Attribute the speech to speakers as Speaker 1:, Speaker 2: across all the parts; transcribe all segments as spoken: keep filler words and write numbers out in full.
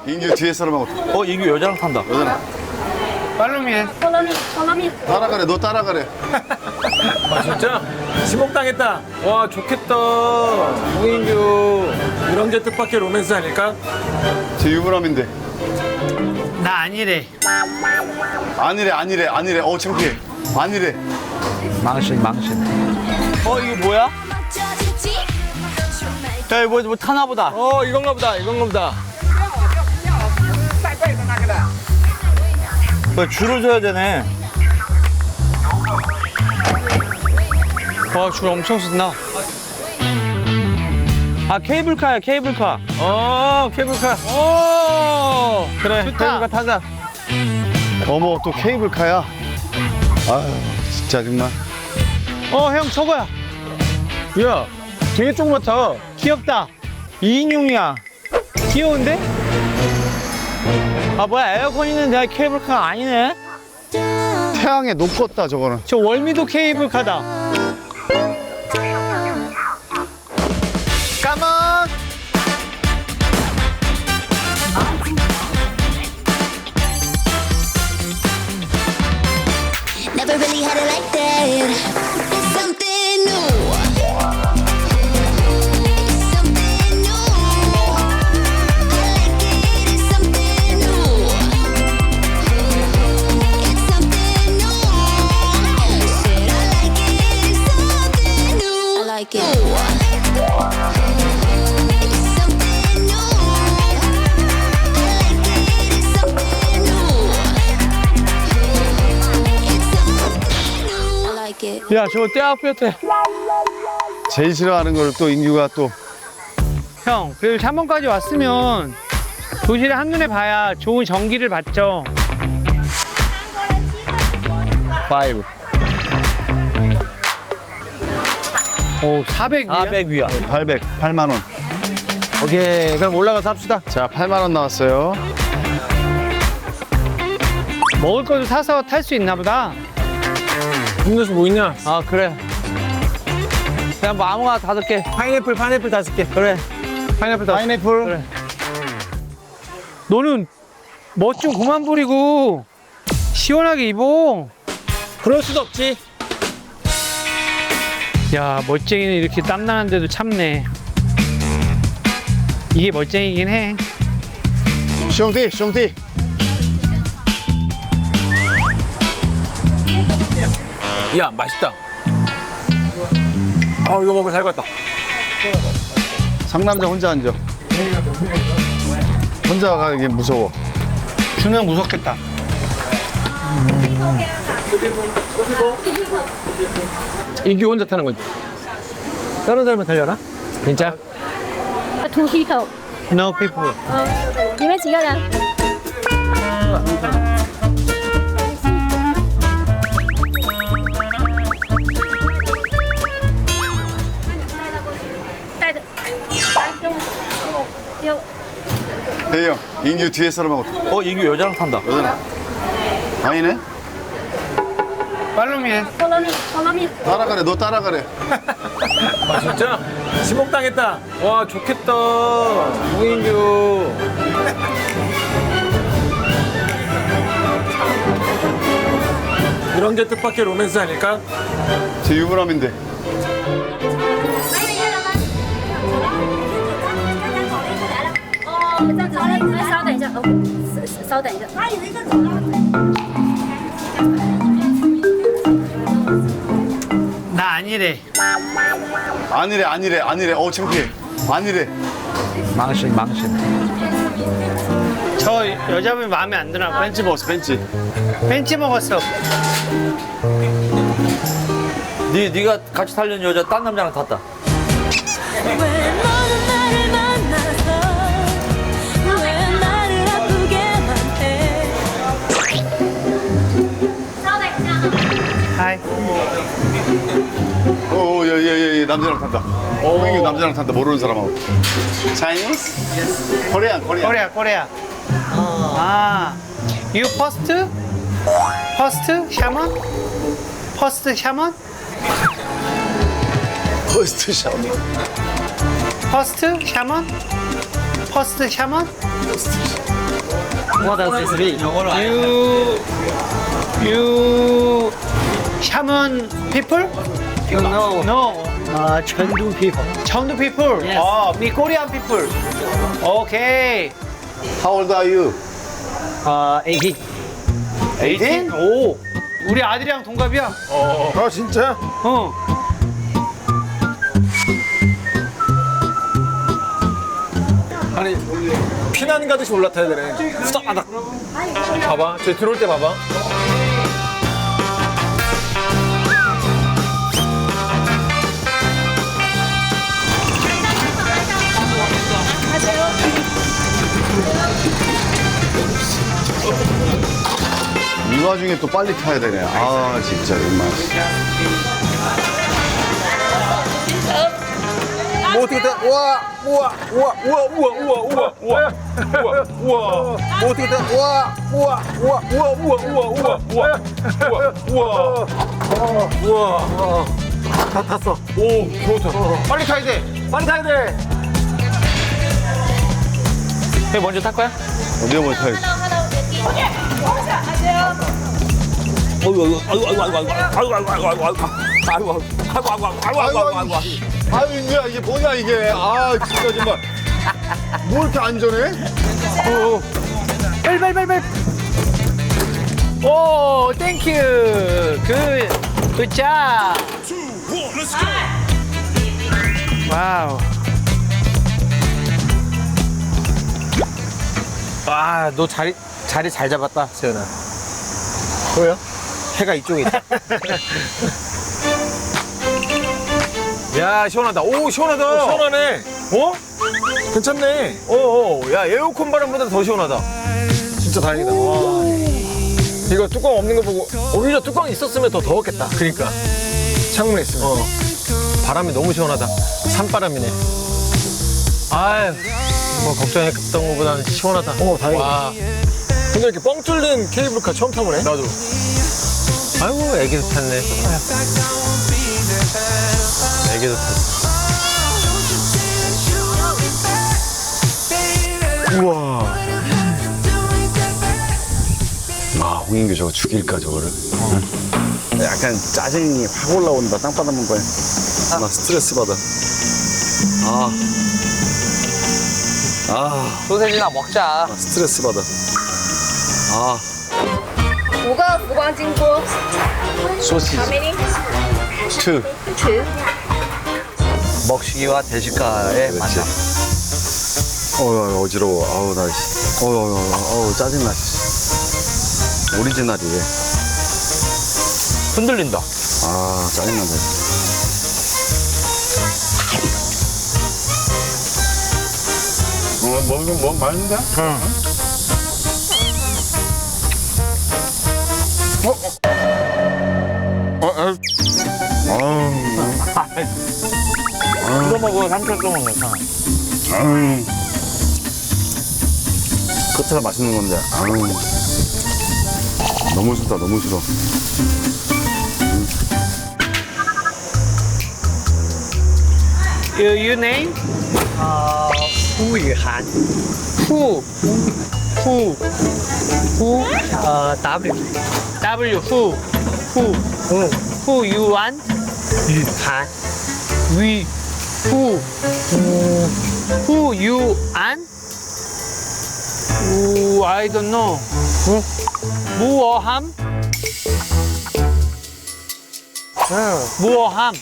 Speaker 1: 인규 뒤에 사람하고
Speaker 2: 어, 이게 여자랑 탄다.
Speaker 1: 여자랑
Speaker 3: 팔로미
Speaker 4: 팔로미, 팔로미.
Speaker 1: 따라가래. 너 따라가래.
Speaker 5: 아 진짜? 지목당했다. 와 좋겠다. 홍인규 이런 게 뜻밖의 로맨스 아닐까?
Speaker 1: 제 유부남인데.
Speaker 3: 나 아니래.
Speaker 1: 아니래 아니래 아니래. 어 창피해. 아니래.
Speaker 2: 망신, 망신. 어, 이거 뭐야? 야, 이거 뭐, 뭐 타나 보다.
Speaker 5: 어 이건가 보다. 이건가 보다.
Speaker 2: 왜 줄을 서야 되네.
Speaker 3: 와, 줄 엄청 쓴다.
Speaker 2: 아, 케이블카야, 케이블카.
Speaker 5: 어 케이블카. 오 그래.
Speaker 3: 좋다.
Speaker 5: 케이블카 타자.
Speaker 1: 어머 또 케이블카야. 아유 진짜 정말.
Speaker 3: 어, 형 저거야.
Speaker 5: 야 되게 조그맣다.
Speaker 3: 귀엽다. 이 인용이야. 귀여운데?
Speaker 2: 아, 뭐야, 에어컨 있는데 케이블카가 아니네?
Speaker 1: 태양에 녹았다 저거는.
Speaker 3: 저 월미도 케이블카다.
Speaker 1: 까만.
Speaker 6: Never really had it like that. It's something new. It's something new. I like it. It's something new. It's something new. Said I like it. It's something new. I like it. It's something new. I like it. It's something new. I like it.
Speaker 2: 야, 저거 떼 앞이었대.
Speaker 1: 제일 싫어하는 걸 또 인규가 또.
Speaker 3: 형, 그래도 삼 번까지 왔으면 도시를 한눈에 봐야 좋은 전기를 받죠.
Speaker 1: 파이브.
Speaker 3: 오, 사백 위야?
Speaker 2: 사백 위야.
Speaker 1: 팔백. 팔만 원.
Speaker 5: 오케이 그럼 올라가서 합시다.
Speaker 1: 자 팔만 원 나왔어요.
Speaker 3: 먹을 것도 사서 탈 수 있나 보다.
Speaker 5: 음료수 뭐 있냐?
Speaker 2: 아, 그래. 그냥 뭐 아무거나 다섯 개.
Speaker 5: 파인애플 파인애플 다섯 개.
Speaker 2: 그래.
Speaker 5: 파인애플 다섯 개.
Speaker 1: 파인애플.
Speaker 2: 그래.
Speaker 3: 너는 멋 좀 그만 부리고 시원하게 입어.
Speaker 5: 그럴 수도 없지.
Speaker 3: 야, 멋쟁이는 이렇게 땀나는데도 참네. 이게 멋쟁이긴 해.
Speaker 1: 숑티 숑티.
Speaker 5: 야 맛있다. 아 이거 먹으면 살 것 같다.
Speaker 1: 상남자 혼자 앉아. 혼자 가기 무서워.
Speaker 3: 준우 형 무섭겠다.
Speaker 5: 인규 혼자 타는 거지. 다른 사람은 달려나? 진짜?
Speaker 4: Thu khí khẩu.
Speaker 3: No people.
Speaker 4: Ờ,你们几个人？带着，来跟我丢。
Speaker 1: 대희 형 인규 뒤에 사람하고
Speaker 2: 어, 이게 여자랑 탄다.
Speaker 1: 여자랑. 아니네.
Speaker 3: 팔로미
Speaker 4: 팔로미, 팔로미.
Speaker 1: 따라가래. 너 따라가래.
Speaker 5: 아 진짜? 지목당했다. 와 좋겠다. 홍인규. 이런 게 뜻밖의 로맨스 아닐까?
Speaker 1: 제 유부남인데.
Speaker 4: 哦，这样子，来稍等一下，哦，稍稍等一下。他以为这走了。
Speaker 3: 나 아니래.
Speaker 1: 아니래 아니래 아니래. 어 창피해. 아니래.
Speaker 2: 망신, 망신.
Speaker 3: 저 여자분이 마음에 안 드나 봐.
Speaker 1: 벤치 먹었어 벤치.
Speaker 3: 벤치 먹었어.
Speaker 2: 니, 니가 같이 타려는 여자 딴 남자랑 탔다.
Speaker 6: 왜 너는 나를 만나서 왜 나를 아프게만 해
Speaker 3: 하이.
Speaker 1: 오예예예 남자랑 탄다. 인규 남자랑 탄다. 모르는 사람하고. Chinese? 코리안 코리안.
Speaker 3: 코리아, 코리아. 아, you first? First 샤먼? First 샤먼?
Speaker 1: 퍼스트 샤워.
Speaker 3: First 샤먼? First 샤먼?
Speaker 5: What else is it?
Speaker 3: You you Shaman people?
Speaker 5: You know.
Speaker 3: No.
Speaker 5: Uh, Chengdu people.
Speaker 3: Chengdu people.
Speaker 5: Yes.
Speaker 3: 어, me Korean people. 오케이.
Speaker 1: How old are you?
Speaker 5: Uh, eighteen.
Speaker 1: eighteen?
Speaker 3: 오. 우리 아들이랑 동갑이야.
Speaker 1: 아 진짜?
Speaker 3: 어.
Speaker 7: 아니 피난 가듯이 올라타야 되네. 후다닥. 봐봐, 저 들어올 때 봐봐.
Speaker 1: 이 와중에 또 빨리 타야 되네. 아 진짜 정말.
Speaker 7: 뭐 어떻게 돼? 우와, 우와, 우와, 우와, 우와, 우와, 우와, 우와, 우와, 우와. 뭐 어떻게 돼? 우와, 우와, 우와, 우와, 우와, 우와, 우와, 우와, 우와, 우와, 우와. 다 탔어. 오, 좋다. 빨리 타야 돼. 빨리 타야 돼.
Speaker 2: 형 먼저 탈 거야?
Speaker 1: 어디가 먼저 타야지? 아유 인규야 이게 뭐냐 이게. 아 진짜 정말. 뭐 이렇게 안전해?
Speaker 3: 빨리 빨리 빨리 빨리. 오, 땡큐. 굿. 굿잡. 와우.
Speaker 7: 아, 너 자리 자리 잘 잡았다, 세연아. 뭐야? 해가 이쪽에 있다. 야, 시원하다. 오, 시원하다. 시원하네. 어? 괜찮네. 어, 어. 야, 에어컨 바람보다 더 시원하다. 진짜 다행이다. 와. 이거 뚜껑 없는 거 보고 오히려 뚜껑 있었으면 더 더웠겠다. 그러니까. 창문에 있으면. 어. 바람이 너무 시원하다. 산바람이네. 아유, 뭐 걱정했던 것보다는 시원하다. 어, 다행이다. 와. 근데 이렇게 뻥 뚫린 케이블카 처음 타보네. 나도. 아이고, 애기도 탔네. 애기도 탔어. 우와.
Speaker 1: 아 홍인규 저거 죽일까 저거를. 약간 짜증이 확 올라온다. 땅바닥 문 거야. 나 스트레스 받아. 아. 아.
Speaker 2: 소세지나 먹자.
Speaker 1: 나 스트레스 받아. 아.
Speaker 4: 五个浮光金锅
Speaker 1: 소시지.
Speaker 4: ，how many?
Speaker 1: two.
Speaker 4: Two.
Speaker 2: 먹시기와 대식가의 만남.
Speaker 1: 어우 어지러워. 아우 나 씨. 어우 어우 어우 짜증나. 씨. 오리지널이래.
Speaker 2: 흔들린다.
Speaker 1: 아 짜증난다. 어 먹으면 뭐 맛있는데? 응. 어? 어? 어? 아우.
Speaker 2: 뜯어 먹어, 삼촌 뜯어 먹어.
Speaker 1: 아우. 끝에가 맛있는 건데. 아우. 너무 싫다, 너무 싫어.
Speaker 3: You, you name?
Speaker 5: Uh, Hu Yuhan.
Speaker 3: Who? Who? Who?
Speaker 5: Uh, W.
Speaker 3: W. Who? Who?
Speaker 5: Hu
Speaker 3: Who you want?
Speaker 5: Yuhan.
Speaker 3: We. Who? Who you want? Ooh, I don't know. 무어함? 무어함.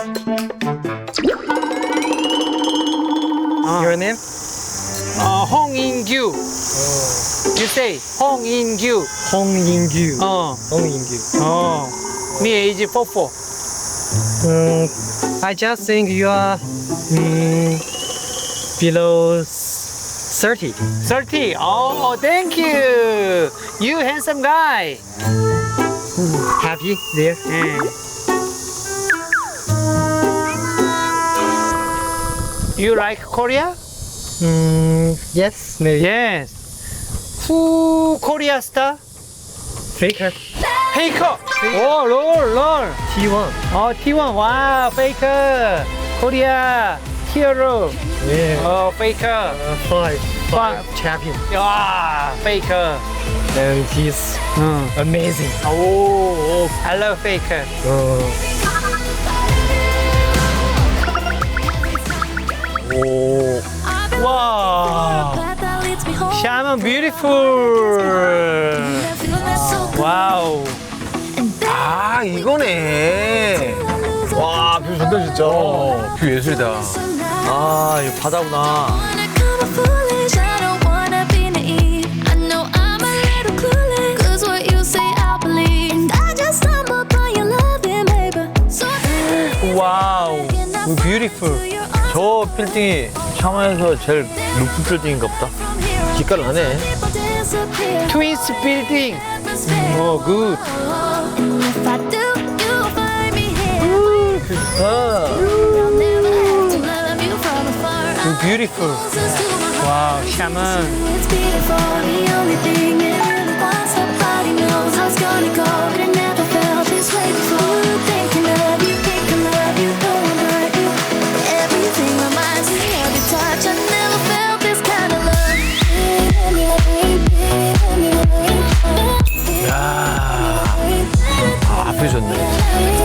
Speaker 5: Your name?
Speaker 3: 어, 홍인규. You say 홍인규.
Speaker 5: Hong Yingyu.
Speaker 3: 어,
Speaker 5: Hong Yingyu.
Speaker 3: 어. Me age forty-four.
Speaker 5: Um, I just think you are um, below thirty.
Speaker 3: thirty. Oh, thank you. You handsome guy.
Speaker 5: Happy there?
Speaker 3: 예. You like Korea?
Speaker 5: Um, yes, maybe.
Speaker 3: Yes. Who Korea star?
Speaker 5: Faker.
Speaker 3: Faker. 오, 롤, 롤.
Speaker 5: T one.
Speaker 3: 어, T one. 와, Faker. Korea hero.
Speaker 5: Yeah.
Speaker 3: 어, Faker.
Speaker 5: Uh, five.
Speaker 3: Fa-
Speaker 5: champion.
Speaker 3: 와, Faker.
Speaker 5: And he's
Speaker 3: 응.
Speaker 5: amazing.
Speaker 3: 오, 오, I love Faker.
Speaker 5: 오. 와.
Speaker 3: Shaman beautiful. 와우.
Speaker 7: 아 이거네. 와 뷰 좋다 진짜.
Speaker 5: 어, 뷰 예술이다. 아, 이거 바다구나.
Speaker 3: 와우. beautiful.
Speaker 5: 저 빌딩이 샤먼에서 제일 높은 빌딩인가 보다. 기가를 하네.
Speaker 3: Twins building. 오, good. beautiful. 와우, Shaman.
Speaker 6: It's beautiful, the only thing it really wants. Nobody knows how it's gonna go, but it never felt this way before. Thinking of you, thinking of you, don't wanna hurt you. Everything reminds me of your touch. I never felt this kind of love.
Speaker 5: 아, 뷰 좋네.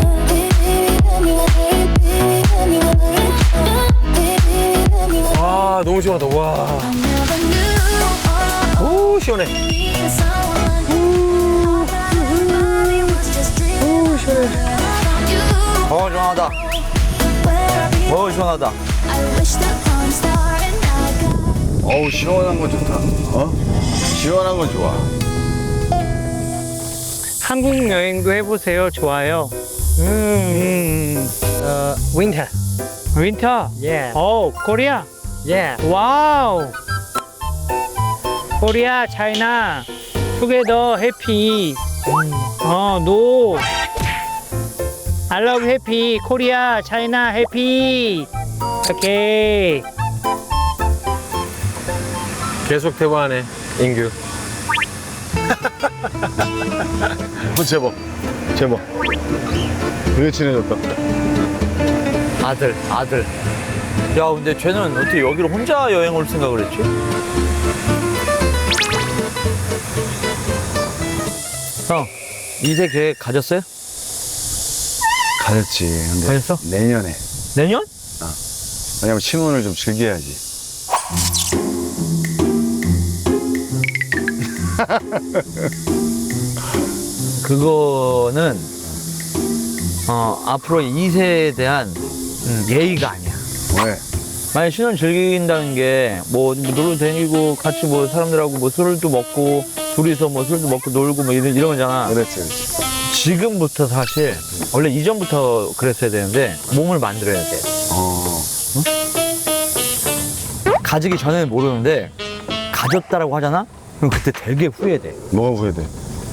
Speaker 7: 와 너무 시원하다. 와. 오 시원해.
Speaker 5: 어, 시원하다. 어, 시원하다.
Speaker 1: 어우, 시원한 건 좋다. 어? 시원한 건 좋아.
Speaker 3: 한국 여행도 해보세요. 좋아요. 음.
Speaker 5: 어, winter.
Speaker 3: 윈터.
Speaker 5: Yeah.
Speaker 3: 오, 코리아.
Speaker 5: Yeah.
Speaker 3: 와우. 코리아, 차이나, 투게더 해피. 어, 노. I love 해피. 코리아, 차이나 해피. 오케이.
Speaker 7: 계속 대화하네 인규.
Speaker 1: 어, 제법. 제법. 되게 친해졌다.
Speaker 5: 아들, 아들. 야, 근데 쟤는 어떻게 여기로 혼자 여행 올 생각을 했지? 형, 이세 계획 가졌어요?
Speaker 1: 가졌지. 근데
Speaker 5: 가졌어?
Speaker 1: 내년에.
Speaker 5: 내년?
Speaker 1: 왜냐면 신혼을 좀 즐겨야지.
Speaker 5: 그거는 어, 앞으로 이 세에 대한 음, 예의가 아니야.
Speaker 1: 왜?
Speaker 5: 만약 신혼 즐긴다는 게 뭐 놀러 다니고 같이 뭐 사람들하고 뭐 술도 먹고 둘이서 뭐 술도 먹고 놀고 뭐 이런, 이런 거잖아.
Speaker 1: 그렇지, 그렇지.
Speaker 5: 지금부터 사실 원래 이전부터 그랬어야 되는데 몸을 만들어야 돼.
Speaker 1: 어.
Speaker 5: 가지기 전에는 모르는데 가졌다라고 하잖아? 그럼 그때 되게 후회돼.
Speaker 1: 뭐가 후회돼?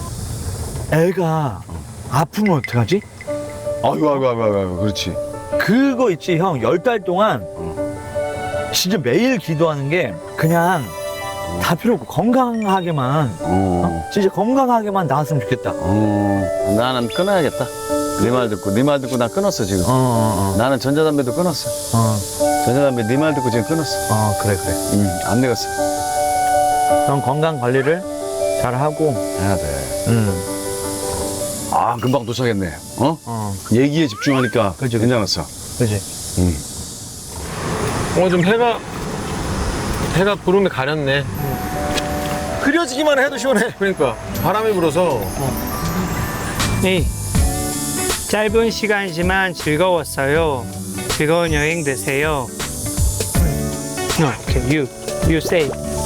Speaker 5: 애가 아프면 어떡하지?
Speaker 1: 아이고, 아이고, 아이고, 아이고, 그렇지.
Speaker 5: 그거 있지 형, 열 달 동안 진짜 매일 기도하는 게 그냥 다 필요 없고 건강하게만
Speaker 1: 어.
Speaker 5: 진짜 건강하게만 나왔으면 좋겠다.
Speaker 1: 어. 나는 끊어야겠다. 네 말 듣고, 네 말 듣고 나 끊었어, 지금.
Speaker 5: 어, 어,
Speaker 1: 나는 전자담배도 끊었어.
Speaker 5: 어,
Speaker 1: 전자담배 네 말 듣고 지금 끊었어.
Speaker 5: 어, 그래, 그래.
Speaker 1: 응, 안 되겠어.
Speaker 5: 형 건강 관리를 잘 하고,
Speaker 1: 해야 돼.
Speaker 5: 음,
Speaker 1: 아, 금방 도착했네. 어?
Speaker 5: 어,
Speaker 1: 얘기에 집중하니까
Speaker 5: 그치, 그치.
Speaker 1: 괜찮았어.
Speaker 5: 그지.
Speaker 1: 응.
Speaker 7: 오늘 좀 해가 해가 구름이 가렸네. 흐려지기만 해도 시원해. 그러니까 바람이 불어서.
Speaker 3: 네. 짧은 시간이지만 즐거웠어요. 즐거운 여행 되세요. No, okay, you, you say.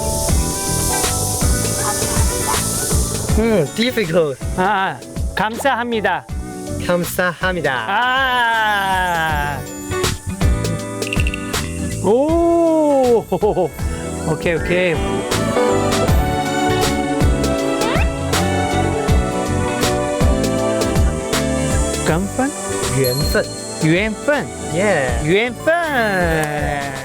Speaker 5: 음, difficult.
Speaker 3: 아, 감사합니다.
Speaker 5: 감사합니다.
Speaker 3: 아, 오, 오케이, 오케이. 깜판?
Speaker 5: 缘分.
Speaker 3: 유엔펀?
Speaker 5: Yeah.
Speaker 3: 유엔펀.